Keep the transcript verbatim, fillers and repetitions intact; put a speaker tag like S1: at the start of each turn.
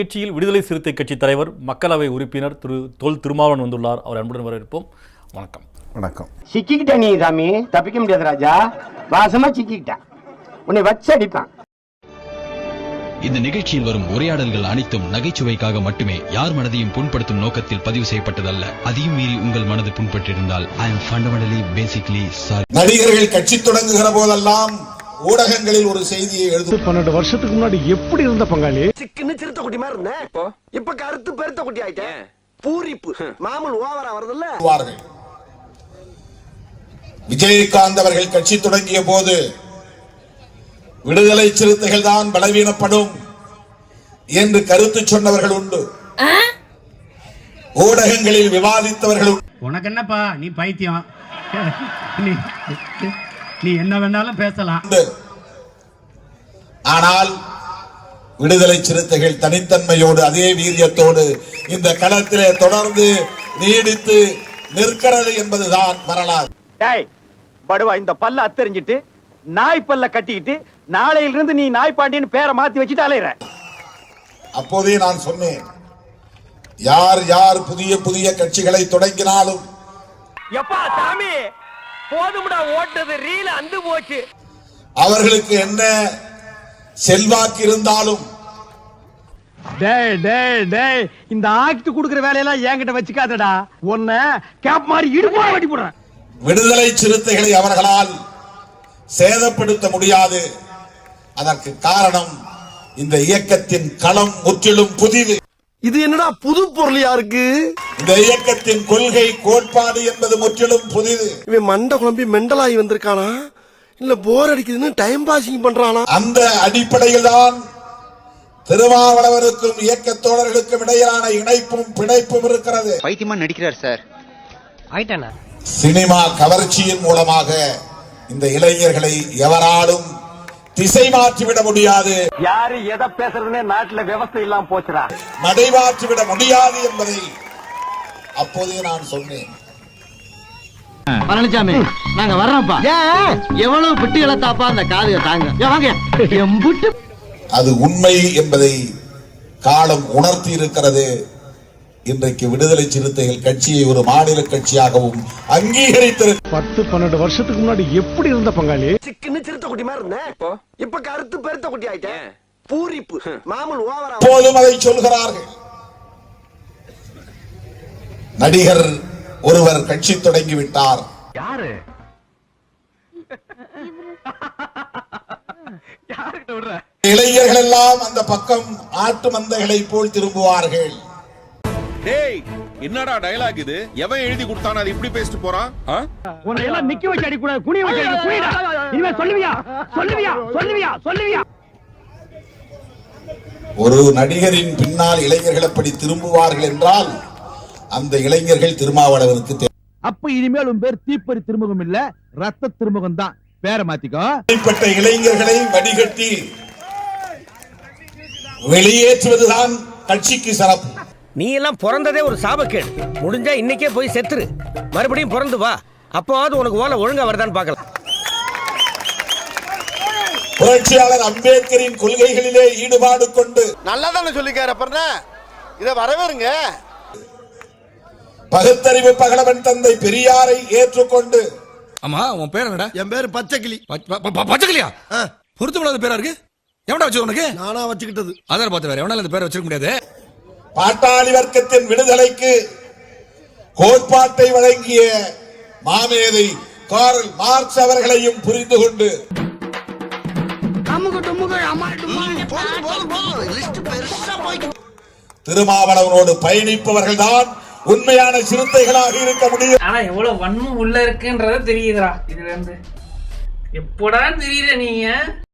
S1: கட்சியில் விடுதலை சிறுத்தை கட்சி தலைவர் மக்களவை உறுப்பினர் திரு தொல் திருமாவளவன் வந்துள்ளார். அவர் அன்புடன் வரவேற்போம். வணக்கம்.
S2: வணக்கம்.
S3: சிக்கிக்கிட்ட நீ சாமி, தப்பிக்க முடியாது ராஜா. வாசமா சிக்கிக்கிட்ட உன்னை வச்சு அடிப்பான்.
S4: இந்த நிகழ்ச்சியில் வரும் உரையாடல்கள் அனைத்தும் நகைச்சுவைக்காக மட்டுமே, யார் மனதையும் புண்படுத்தும் நோக்கத்தில் பதிவு செய்யப்பட்டதல்ல. அதையும் மீறி உங்கள் மனது புண்பட்டிருந்தால் I am fundamentally basically sorry.
S2: நடிகர்கள் கட்சி தொடங்குகிற போதெல்லாம் ஊடகங்களில் ஒரு செய்தியை எழுது.
S5: பன்னெண்டு வருஷத்துக்கு முன்னாடி எப்படி இருந்த பங்காளி?
S3: சிக்கன்னு சிறுத்த குட்டி மாதிரி இருந்தேன். இப்போ இப்ப கருத்து பெருத்த குட்டி ஆயிட்டேன். பூரிப்பு மாமூல் ஓவரா வருதுல்ல.
S2: விஜயகாந்த் அவர்கள் கட்சி தொடங்கிய போது விடுதலை சிறுத்தைகள் தான் பலவீனப்படும் என்று கருத்து சொன்னவர்கள் உண்டு. ஊடகங்களில் விவாதித்தவர்கள்.
S5: உனக்கு என்னப்பா, நீ பைத்தியம், நீ என்ன வேணாலும் பேசலாம்.
S2: ஆனால் விடுதலை சிறுத்தைகள் தனித்தன்மையோடு அதே வீரியத்தோடு இந்த களத்திலே தொடர்ந்து நீடித்து நிற்கிறது என்பதுதான் வரலாறு.
S3: படுவா, இந்த பல்ல அத்தெரிஞ்சிட்டு நாய் பல்ல கட்டிக்கிட்டு நாளையிலிருந்து நீ நாய் பாண்டியன்னு பேரை மாத்தி வச்சுட்டு அலையிற.
S2: அப்போதே நான் சொன்னேன், யார் யார் புதிய புதிய கட்சிகளை தொடங்கினாலும்
S3: எப்பா சாமி போதும்டா, ஓட்டது ரீல அந்து போச்சு.
S2: அவர்களுக்கு என்ன செல்வாக்கு இருந்தாலும்
S3: டேய் டேய் டேய், இந்த ஆக்ட் குடுக்குற வேலையெல்லாம் என்கிட்ட வச்சுக்காதடா. உன்னை கேப் மாதிரி இடுப்பா வெட்டி போடுறேன்.
S2: விடுதலை சிறுத்தைகளை அவர்களால் சேதப்படுத்த முடியாது. அதற்கு காரணம் இந்த இயக்கத்தின் களம் முற்றிலும் புதிது.
S3: இது என்னடா புது பொருளியா இருக்கு?
S2: இந்த இயக்கத்தின் கொள்கை கோட்பாடு என்பது முற்றிலும் புதிது.
S6: இவன் மண்ட குழம்பி மெண்டலாகி வந்திருக்கானா இல்ல போர் அடிக்குதுன்னு டைம் பாசிங் பண்றானா?
S2: அந்த அடிப்படையில் தான் திருமாவளவனுக்கும் இயக்க தோழர்களுக்கும் இடையிலான இணைப்பும் பிணைப்பும் இருக்கிறது.
S7: பைத்தியமா நடிக்கிறார் சார்.
S3: ஆயிட்டானா?
S2: சினிமா கவர்ச்சியின் மூலமாக இந்த இளைஞர்களை எவராலும் திசை மாற்றிவிட முடியாது.
S3: யாரு எதை பேசுறதுன்னே நாட்டுல விவசாயம் இல்லாம போச்சுடா.
S2: நடைமாற்றிவிட முடியாது என்பதை அப்போதே நான் சொன்னேன்.
S8: பழனிசாமி, நாங்க வர்றோம்ப்பா. எவ்வளவு பிட்டுகளை தாப்பா அந்த காதுக தாங்க.
S2: அது உண்மை என்பதை காலம் உணர்த்தி இருக்கிறது. இன்றைக்கு விடுதலை சிறுத்தைகள் கட்சியை ஒரு மாநில கட்சியாகவும் அங்கீகரித்திருக்கிறது.
S5: பத்து பன்னெண்டு வருஷத்துக்கு முன்னாடி எப்படி இருந்த பங்காளி?
S3: சிக்கன்னு சிறுத்த குட்டி மாதிரி இருந்தேன். இப்ப கருத்து பெருத்த குட்டி ஆயிட்டேன். பூரிப்பு மாமூல் ஓவரா.
S2: போலும் அதை சொல்கிறார்கள். நடிகர் ஒருவர் கட்சி தொடங்கிவிட்டார்.
S3: யாரு?
S2: இளைஞர்கள் எல்லாம் அந்த பக்கம் ஆட்டு மந்தைகளை போல் திரும்புவார்கள்.
S9: டேய், என்னடா டயலாக் இது? எவன் எழுதி கொடுத்தானே அது இப்படி பேசிட்டு போறான்?
S3: உன்னை எல்லாம் நிக்க வச்சு அடி கூடாது, குனிய வச்சு அடி. குனிடா. இனிமே சொல்லுவியா சொல்லுவியா சொல்லுவியா சொல்லுவியா?
S2: ஒரு நடிகரின் பின்னால் இளைஞர்கள் அப்படி திரும்புவார்கள் என்றால் அந்த இளைஞர்கள் திருமாவளவனுக்கு தேவை.
S5: அப்ப இனிமேல் உன் பேர் தீப்பறி திருமுகம் இல்ல, ரத்த திருமுகம் தான். பேரை மாத்திக்கோ.
S2: இப்படிப்பட்ட இளைஞர்களை வடிகட்டி வெளியேற்றுவதுதான் கட்சிக்கு சிறப்பு.
S3: நீ எல்லாம் பிறந்ததே ஒரு சாபக்கேடு. முடிஞ்சா இன்னைக்கே போய் செத்துரு, மறுபடியும் பிறந்து வா. அப்போவாது உனக்கு ஓலை ஒழுங்கா வருதான்னு பார்க்கலாம்.
S2: புரட்சியாளர் அம்பேத்கரின் கொள்கைகளிலே ஈடுபாடு கொண்டு
S6: நல்லா தானே சொல்லிக்கார பண்ண இத வரவேறுங்க.
S2: பகுத்தறிவு பகலவன் தந்தை பெரியாரை ஏற்றுக்கொண்டு.
S9: ஆமா, உன் பேர் என்னடா?
S6: என் பேரு பச்சைக்கிளி.
S9: பச்சைக்கிளியா? பொருத்தமில்லாத பேரா இருக்கு. எவன்டா வச்சு உனக்கு?
S6: நானா வச்சுக்கிட்டது.
S9: அதர பார்த்து வேற எவனால இந்த பேரை வச்சிருக்க முடியாது.
S2: பாட்டாளி வர்க்கத்தின் விடுதலைக்கு கோட்பாட்டை வழங்கிய மாமேதை கார்ல் மார்க்ஸ் அவர்களையும் புரிந்து கொண்டு திருமாவளவனோடு பயணிப்பவர்கள் தான் உண்மையான சிறுத்தைகளாக இருக்க முடியும்.
S10: ஆனா எவ்வளவு வன்மம் உள்ள இருக்குன்றத தெரியுதுடா. இதுல இருந்து எப்படா தெரியுற நீங்க?